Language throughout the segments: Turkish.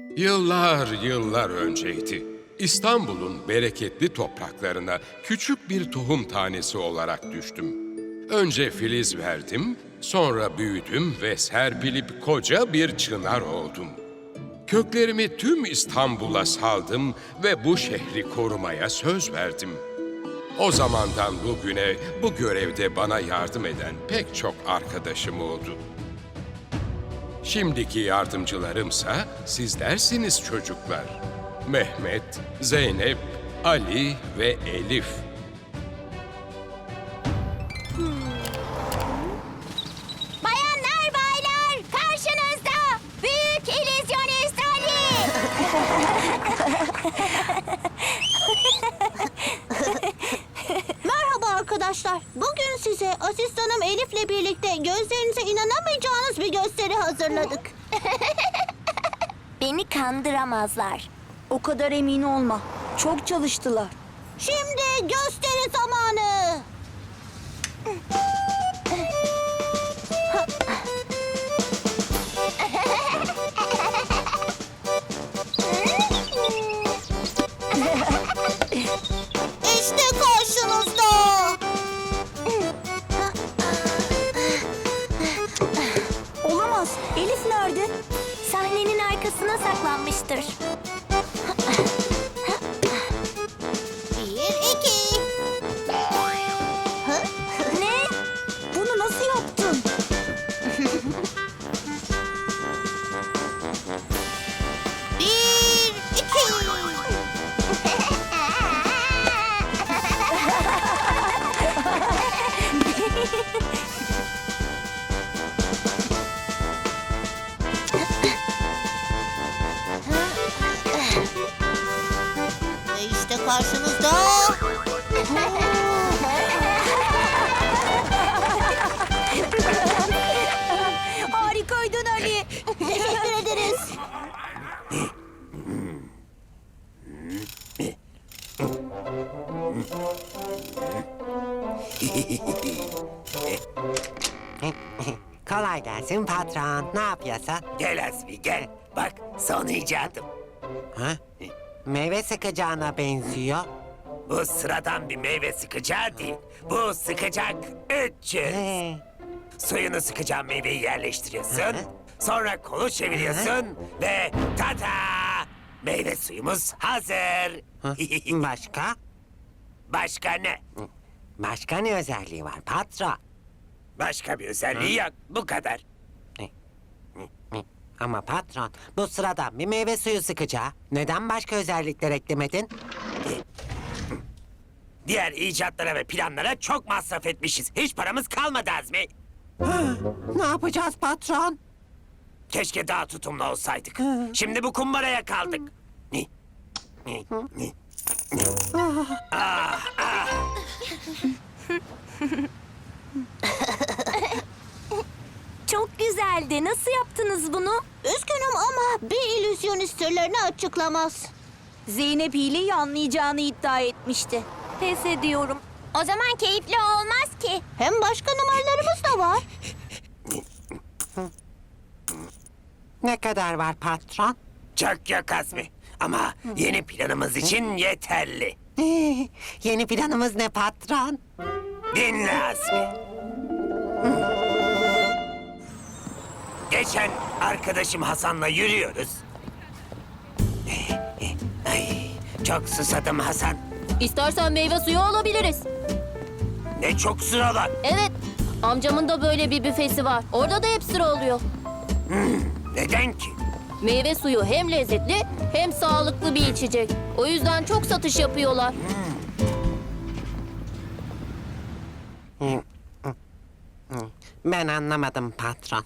Yıllar yıllar önceydi. İstanbul'un bereketli topraklarına küçük bir tohum tanesi olarak düştüm. Önce filiz verdim, sonra büyüdüm ve serpilip koca bir çınar oldum. Köklerimi tüm İstanbul'a saldım ve bu şehri korumaya söz verdim. O zamandan bugüne bu görevde bana yardım eden pek çok arkadaşım oldu. Şimdiki yardımcılarımsa sizlersiniz çocuklar. Mehmet, Zeynep, Ali ve Elif. Bayanlar, baylar, karşınızda Büyük İllüzyonist Ali. Merhaba arkadaşlar. Bugün size asistanım Elif'le birlikte gözlerinize inanamayacağınız bir gösteri hazırladık. Beni kandıramazlar. O kadar emin olma. Çok çalıştılar. Şimdi gösteri zamanı. İşte karşınızda. Olamaz. Elif nerede? Sahnenin arkasına saklanmıştır. Bir, iki. Ne? Bunu nasıl yaptın? Bir, iki. Ve işte karşınızda. Harikaydın Ali. Teşekkür ederiz. Kolay gelsin patron. Ne yapıyorsun? Gel Azmi gel. Bak son icadım. Ha? Meyve sıkacağına benziyor. Bu sıradan bir meyve sıkacağı değil. Bu sıkacak 300. Suyunu sıkacağın meyveyi yerleştiriyorsun. Sonra kolu çeviriyorsun ve tada! Meyve suyumuz hazır. Ha? Başka? Başka ne? Başka ne özelliği var patron? Başka bir özelliği yok. Bu kadar. Ama patron, bu sıradan bir meyve suyu sıkacağı. Neden başka özellikler eklemedin? Diğer icatlara ve planlara çok masraf etmişiz. Hiç paramız kalmadı Azmi. Ne yapacağız patron? Keşke daha tutumlu olsaydık. Şimdi bu kumbaraya kaldık. Çok güzeldi. Nasıl yaptınız bunu? Üzgünüm ama bir illüzyonist sırlarını açıklamaz. Zeynep hileyi anlayacağını iddia etmişti. Pes ediyorum. O zaman keyifli olmaz ki. Hem başka numaralarımız da var. Ne kadar var patron? Çok yok Azmi. Ama yeni planımız için yeterli. Yeni planımız ne patron? Dinle Azmi. Geçen arkadaşım Hasan'la yürüyoruz. Ay, çok susadım Hasan. İstersen meyve suyu alabiliriz. Ne çok sıralar. Evet, amcamın da böyle bir büfesi var. Orada da hep sıra oluyor. Neden ki? Meyve suyu hem lezzetli hem sağlıklı bir içecek. O yüzden çok satış yapıyorlar. Ben anlamadım patron.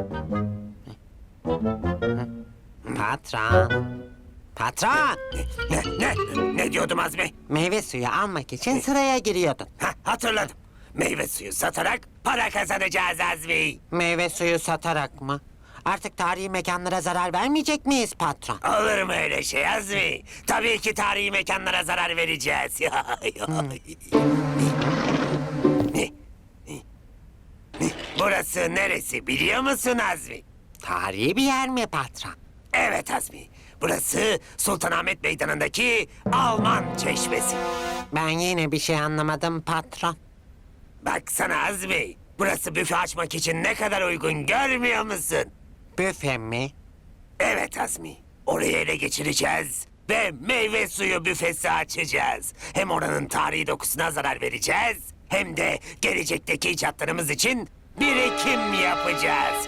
Patron. Patron. Ne diyordum Azmi? Meyve suyu almak için sıraya giriyordun. Hatırladım. Meyve suyu satarak para kazanacağız Azmi. Meyve suyu satarak mı? Artık tarihi mekanlara zarar vermeyecek miyiz patron? Olur mu öyle şey Azmi? Tabii ki tarihi mekanlara zarar vereceğiz. Burası neresi biliyor musun Azmi? Tarihi bir yer mi patron? Evet Azmi. Burası Sultanahmet Meydanı'ndaki Alman Çeşmesi. Ben yine bir şey anlamadım patron. Baksana Azmi. Burası büfe açmak için ne kadar uygun görmüyor musun? Büfe mi? Evet Azmi. Orayı ele geçireceğiz ve meyve suyu büfesi açacağız. Hem oranın tarihi dokusuna zarar vereceğiz hem de gelecekteki icatlarımız için birikim yapacağız.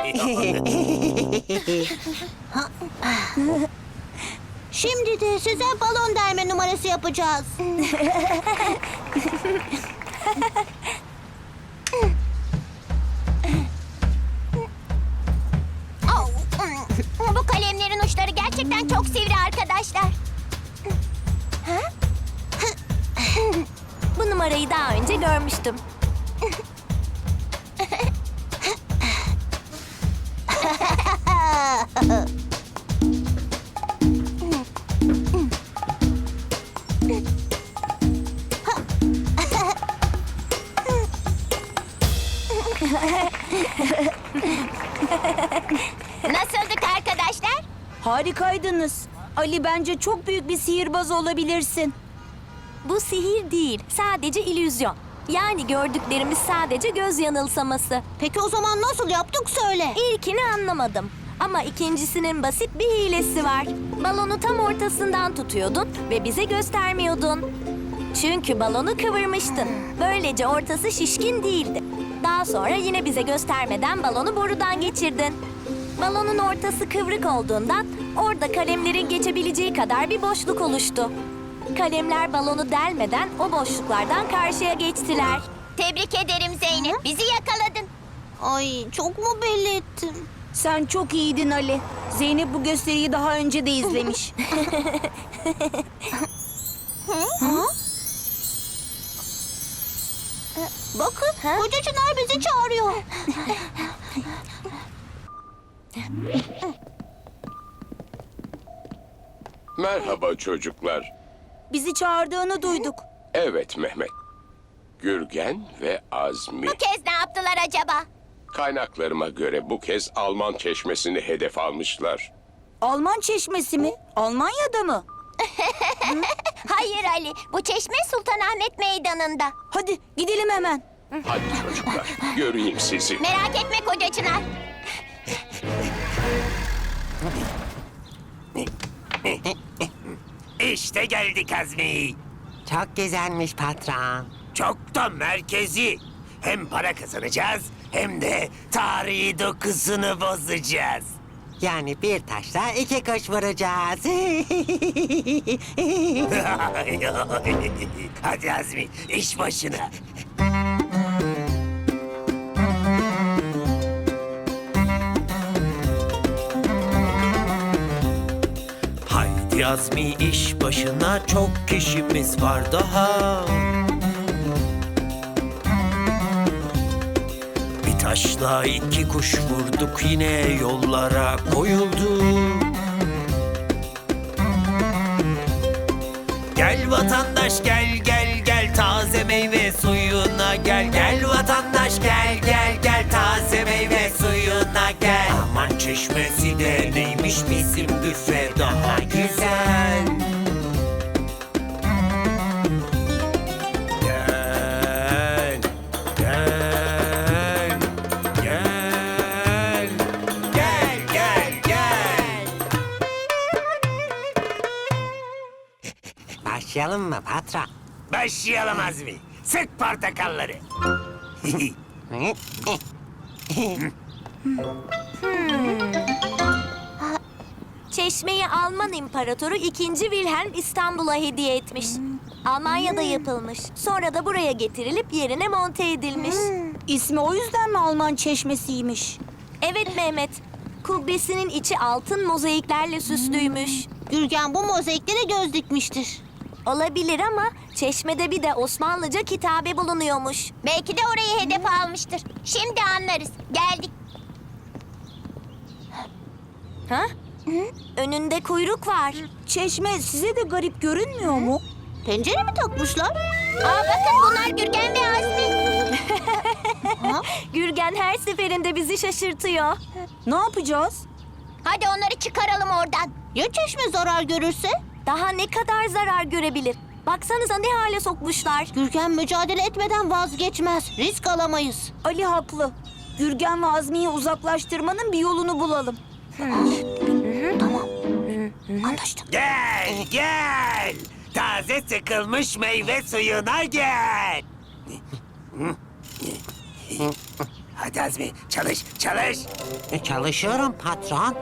Şimdi de size balon delme numarası yapacağız. Bu kalemlerin uçları gerçekten çok sivri arkadaşlar. Bu numarayı daha önce görmüştüm. Nasıldık arkadaşlar? Harikaydınız. Ali, bence çok büyük bir sihirbaz olabilirsin. Bu sihir değil, sadece illüzyon. Yani gördüklerimiz sadece göz yanılsaması. Peki o zaman nasıl yaptık söyle. İlkini anlamadım. Ama ikincisinin basit bir hilesi var. Balonu tam ortasından tutuyordun ve bize göstermiyordun. Çünkü balonu kıvırmıştın. Böylece ortası şişkin değildi. Daha sonra yine bize göstermeden balonu borudan geçirdin. Balonun ortası kıvrık olduğundan orada kalemlerin geçebileceği kadar bir boşluk oluştu. Kalemler balonu delmeden o boşluklardan karşıya geçtiler. Tebrik ederim Zeynep. Bizi yakaladın. Ay çok mu belli ettim? Sen çok iyiydin Ali. Zeynep bu gösteriyi daha önce de izlemiş. Bakın Koca Çınar bizi çağırıyor. Merhaba çocuklar. Bizi çağırdığını duyduk. Evet Mehmet. Gürgen ve Azmi. Bu kez ne yaptılar acaba? Kaynaklarıma göre bu kez Alman çeşmesini hedef almışlar. Alman çeşmesi mi? Almanya'da mı? Hayır Ali, bu çeşme Sultanahmet Meydanı'nda. Hadi gidelim hemen. Hadi çocuklar, göreyim sizi. Merak etme Koca Çınar. İşte geldik Azmi. Çok güzelmiş patron. Çok da merkezi. Hem para kazanacağız hem de tarihi dokusunu bozacağız. Yani bir taşla iki kuş vuracağız. Hadi Azmi, iş başına. Haydi Azmi iş başına, çok kişimiz var daha. Bir taşla iki kuş vurduk, yine yollara koyulduk. Gel vatandaş gel gel gel, taze meyve suyuna gel. Gel vatandaş gel gel gel, taze meyve suyuna gel. Aman çeşmesi de neymiş, bizim büfe daha güzel. Gel gel gel gel gel gel. Başlayalım mı patron? Başlayalım Azmi. Sık portakalları. Çeşmeyi Alman İmparatoru 2. Wilhelm İstanbul'a hediye etmiş. Almanya'da yapılmış. Sonra da buraya getirilip yerine monte edilmiş. İsmi o yüzden mi Alman çeşmesiymiş? Evet Mehmet. Kubbesinin içi altın mozaiklerle süslüymüş. Gürgen bu mozaiklere göz dikmiştir. Olabilir ama çeşmede bir de Osmanlıca kitabe bulunuyormuş. Belki de orayı hedef almıştır. Şimdi anlarız. Geldik. Ha? Önünde kuyruk var. Çeşme size de garip görünmüyor mu? Pencere mi takmışlar? Aa bakın bunlar Gürgen ve Azmi. Gürgen her seferinde bizi şaşırtıyor. Ne yapacağız? Hadi onları çıkaralım oradan. Ya çeşme zarar görürse? Daha ne kadar zarar görebilir? Baksanıza ne hale sokmuşlar. Gürgen mücadele etmeden vazgeçmez. Risk alamayız. Ali haklı. Gürgen ve Azmi'yi uzaklaştırmanın bir yolunu bulalım. Tamam. Anlaştık. Gel, gel. Taze sıkılmış meyve suyuna gel. Hadi Azmi, çalış, çalış. Çalışıyorum patron.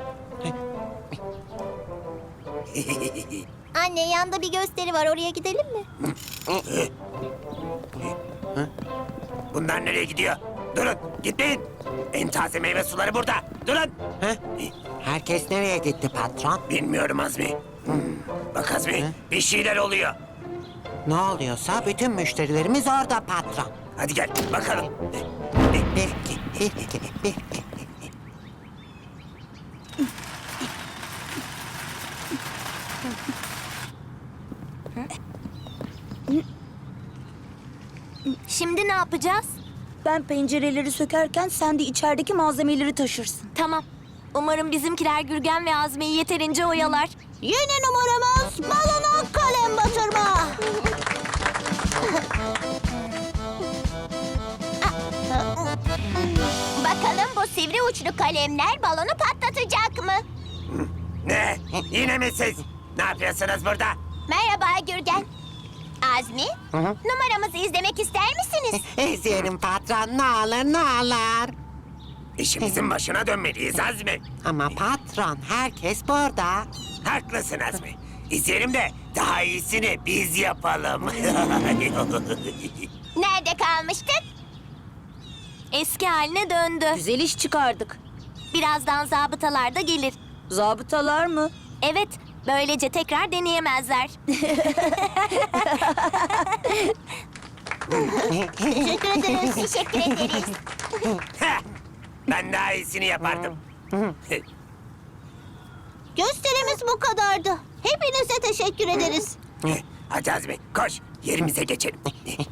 Anne yanda bir gösteri var, oraya gidelim mi? Bunlar nereye gidiyor? Durun, gitmeyin. En taze meyve suları burada. Durun. Heh. Herkes nereye gitti patron? Bilmiyorum Azmi. Bak Azmi, bir şeyler oluyor. Ne oluyorsa bütün müşterilerimiz orada patron. Hadi gel, bakalım. Bir. Şimdi ne yapacağız? Ben pencereleri sökerken sen de içerideki malzemeleri taşırsın. Tamam. Umarım bizimkiler Gürgen ve Azmi'yi yeterince oyalar. Yeni numaramız balona kalem batırma. Bakalım bu sivri uçlu kalemler balonu patlatacak mı? Ne? Yine mi siz? Ne yapıyorsunuz burada? Merhaba Gürgen. Azmi, numaramızı izlemek ister misiniz? İzleyelim patron, ne olur ne olur. İşimizin başına dönmeliyiz Azmi. Ama patron, herkes burada. Haklısın Azmi. İzleyelim de daha iyisini biz yapalım. Nerede kalmıştık? Eski haline döndü. Güzel iş çıkardık. Birazdan zabıtalar da gelir. Zabıtalar mı? Evet, böylece tekrar deneyemezler. Teşekkür ederiz. Teşekkür ederiz. Heh, ben daha iyisini yapardım. Gösterimiz bu kadardı. Hepinize teşekkür ederiz. Hadi Azmi koş yerimize geçelim.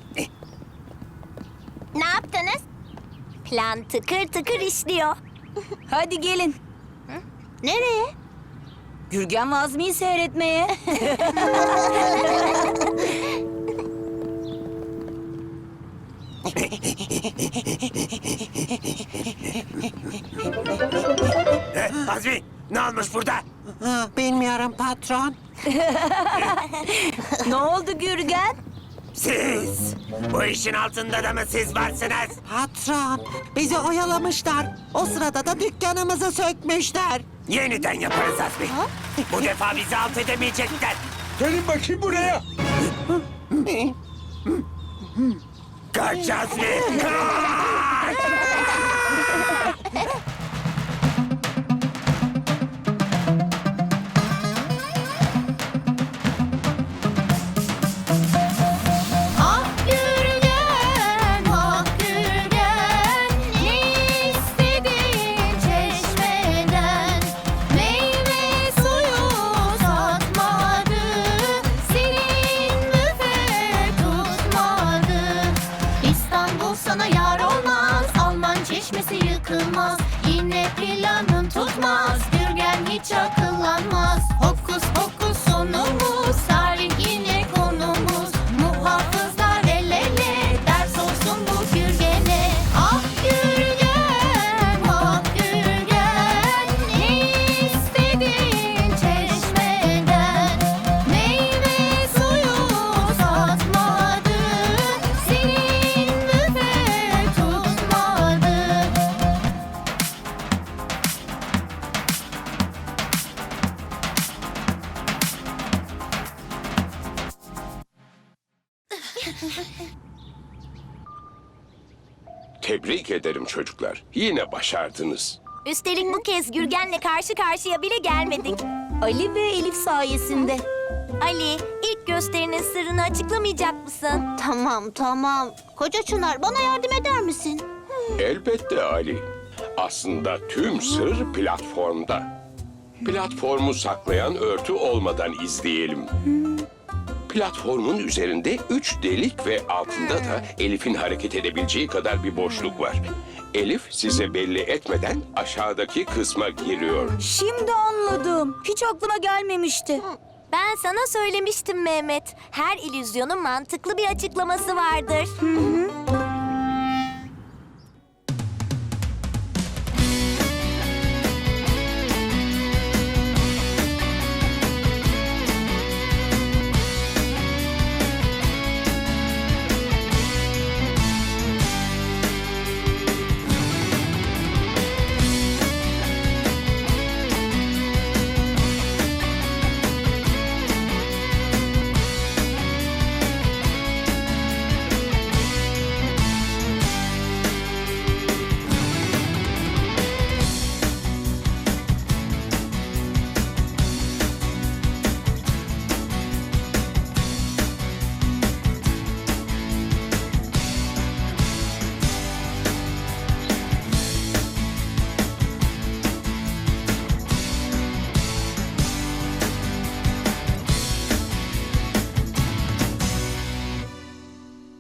Ne yaptınız? Plan tıkır tıkır işliyor. Hadi gelin. Nereye? Gürgen ve Azmi'yi seyretmeye. Azmi ne olmuş burada? Bilmiyorum patron. Ne oldu Gürgen? Siz. Bu işin altında da mı siz varsınız? Patron, bizi oyalamışlar. O sırada da dükkanımızı sökmüşler. Yeniden yaparız Azmi. Bu defa bizi alt edemeyecekler. Gelin bakayım buraya. Kaç Azmi! Kaç! Ah Gürgen, ah Gürgen, ne istedin çeşmeden? Meyve suyu satmadı, senin büfe tutmadı. İstanbul sana yar olmaz, Alman çeşmesi yıkılmaz. Yine planın tutmaz, Gürgen hiç akıllanmaz. Hokus pokus sonumuz, tarih yine konumuz. Muhafızlar el ele, ders olsun bu Gürgen'e. Ah Gürgen, ah Gürgen, ne istedin çeşmeden? Meyve suyu satmadı, senin büfe tutmadı. Tebrik ederim çocuklar. Yine başardınız. Üstelik bu kez Gürgen'le karşı karşıya bile gelmedik. Ali ve Elif sayesinde. Ali, ilk gösterinin sırrını açıklamayacak mısın? Tamam. Koca Çınar bana yardım eder misin? Elbette Ali. Aslında tüm sır platformda. Platformu saklayan örtü olmadan izleyelim. Platformun üzerinde 3 delik ve altında da Elif'in hareket edebileceği kadar bir boşluk var. Elif size belli etmeden aşağıdaki kısma giriyor. Şimdi anladım. Hiç aklıma gelmemişti. Ben sana söylemiştim Mehmet. Her illüzyonun mantıklı bir açıklaması vardır.